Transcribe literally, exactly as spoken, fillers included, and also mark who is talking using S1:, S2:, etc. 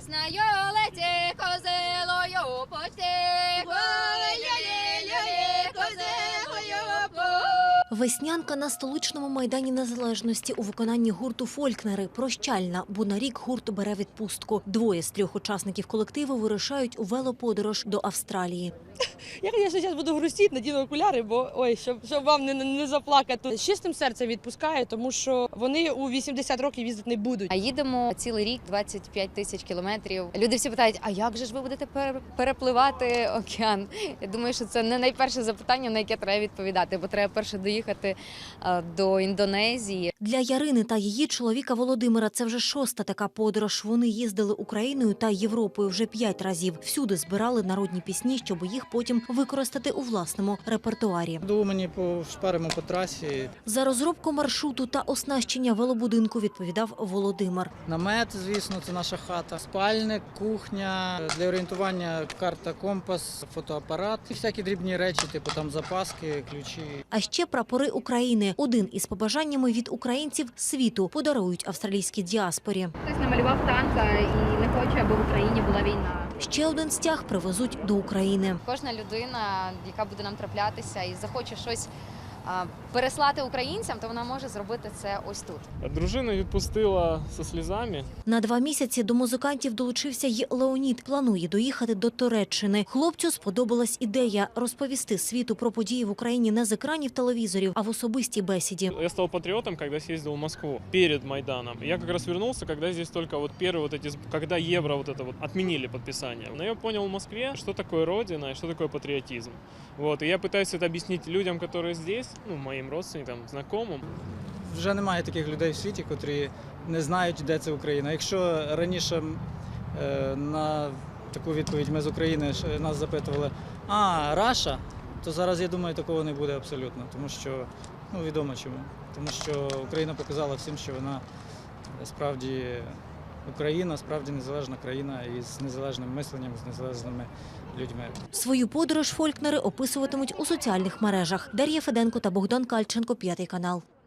S1: Весною леті козилою почти, ой-ой-ой-ой, козилою по.
S2: Веснянка на столичному майдані Незалежності у виконанні гурту «Фолькнери» прощальна, бо на рік гурт бере відпустку. Двоє з трьох учасників колективу вирушають у велоподорож до Австралії.
S3: Я, звісно, зараз буду грустити, надіну окуляри, бо ой, щоб, щоб вам не, не заплакати. З чистим серцем відпускаю, тому що вони у вісімдесят років їздити не будуть.
S1: А їдемо цілий рік, двадцять п'ять тисяч кілометрів. Люди всі питають, а як же ж ви будете пере- перепливати океан? Я думаю, що це не найперше запитання, на яке треба відповідати, бо треба перше доїхати а, до Індонезії.
S2: Для Ярини та її чоловіка Володимира це вже шоста така подорож. Вони їздили Україною та Європою вже п'ять разів. Всюди збирали народні пісні, щоб їх потім використати у власному репертуарі.
S4: Думаю, мені пошпаримо по трасі.
S2: За розробку маршруту та оснащення велобудинку відповідав Володимир.
S4: Намет, звісно, це наша хата. Спальник, кухня, для орієнтування карта, компас, фотоапарат і всякі дрібні речі, типу там запаски, ключі.
S2: А ще прапори України. Один із побажаннями від українців світу подарують австралійській діаспорі.
S1: Хтось намалював танка і не хоче, аби в Україні була війна.
S2: Ще один стяг привезуть до України.
S1: Кожна людина, яка буде нам траплятися і захоче щось а, переслати українцям, то вона може зробити це ось тут.
S5: Дружина відпустила зі сльозами.
S2: На два місяці до музикантів долучився й Леонід. Планує доїхати до Туреччини. Хлопцю сподобалась ідея розповісти світу про події в Україні не з екранів телевізорів, а в особистій бесіді.
S5: Я стал патриотом, когда съездил в Москву перед Майданом. Я как раз вернулся, когда здесь только вот первые вот эти, когда евро вот это вот отменили подписание. Но я понял в Москве, что такое родина и что такое патриотизм. Вот, и я пытаюсь это объяснить людям, которые здесь, ну, моим родственникам, знакомым.
S4: Вже немає таких людей в світі, котрі не знають, де це Україна. Якщо раніше е, на таку відповідь ми з України ж нас запитували, а, Раша, то зараз, я думаю, такого не буде абсолютно, тому що, ну, відомо чому. Тому що Україна показала всім, що вона справді Україна, справді незалежна країна із незалежним мисленням, з незалежними людьми.
S2: Свою подорож «Фолькнери» описуватимуть у соціальних мережах. Дар'я Феденко та Богдан Кальченко, П'ятий канал.